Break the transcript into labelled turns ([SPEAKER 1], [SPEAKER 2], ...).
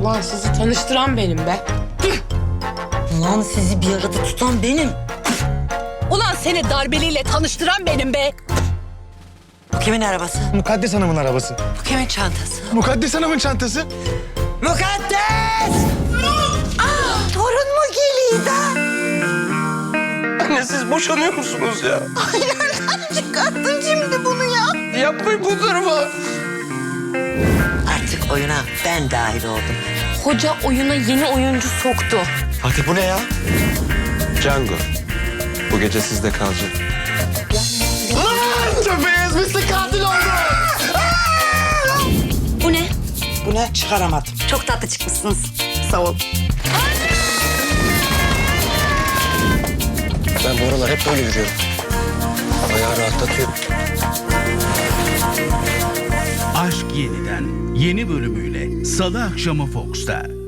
[SPEAKER 1] Ulan sizi tanıştıran benim be.
[SPEAKER 2] Ulan sizi bir arada tutan benim.
[SPEAKER 3] Ulan seni darbeliyle tanıştıran benim be.
[SPEAKER 2] Bu kimin arabası?
[SPEAKER 4] Mukaddes Hanım'ın arabası.
[SPEAKER 2] Bu kimin çantası?
[SPEAKER 4] Mukaddes Hanım'ın çantası.
[SPEAKER 2] Mukaddes! Torun mu geliyor da?
[SPEAKER 4] Anne siz boşanıyor musunuz ya?
[SPEAKER 2] Ay nereden çıkarttın şimdi bunu ya?
[SPEAKER 4] Yapmayın bu durumu.
[SPEAKER 2] Artık oyuna ben dahil oldum.
[SPEAKER 3] Hoca oyuna yeni oyuncu soktu.
[SPEAKER 4] Fatih bu ne ya? Django. Bu gece sizde kalacak. Köpeğiz misli katil oldu.
[SPEAKER 3] Bu ne?
[SPEAKER 2] Bu ne? Çıkaramadım.
[SPEAKER 3] Çok tatlı çıkmışsınız.
[SPEAKER 2] Sağ ol.
[SPEAKER 4] Ben bu aralar hep böyle yürüyorum. Bayağı rahatlatıyor.
[SPEAKER 5] Aşk Yeniden yeni bölümüyle Salı akşamı Fox'ta.